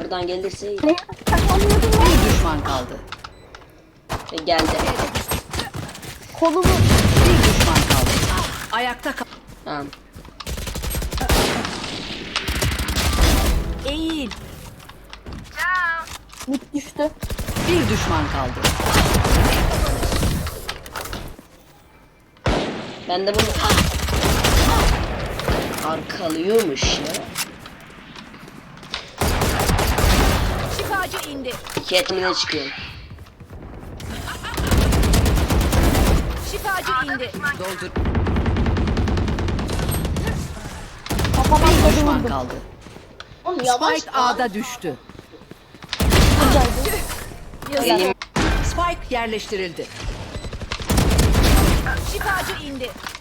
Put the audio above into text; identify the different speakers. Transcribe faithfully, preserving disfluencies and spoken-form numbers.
Speaker 1: Şuradan gelirse iyi.
Speaker 2: Ne? Saklanıyordum lan.
Speaker 3: Bir düşman kaldı.
Speaker 1: E, geldi.
Speaker 2: Kolumu.
Speaker 3: Bir düşman kaldı. Ayakta kal.
Speaker 1: Tamam.
Speaker 3: Eğil.
Speaker 2: Mid düştü.
Speaker 3: Bir düşman kaldı.
Speaker 1: Ben de bunu arkalıyormuş ya.
Speaker 4: Şifacı indi.
Speaker 1: Kendine çıkıyorum.
Speaker 4: Şifacı indi.
Speaker 3: Doldur.
Speaker 2: Kafama
Speaker 3: Bir
Speaker 2: kodu
Speaker 3: düşman
Speaker 2: vurdum.
Speaker 3: kaldı.
Speaker 1: Oğlum yavaş
Speaker 3: Spike A'da düştü.
Speaker 2: Buradaydı.
Speaker 1: Elim
Speaker 3: Spike yerleştirildi.
Speaker 4: Şifacı indi.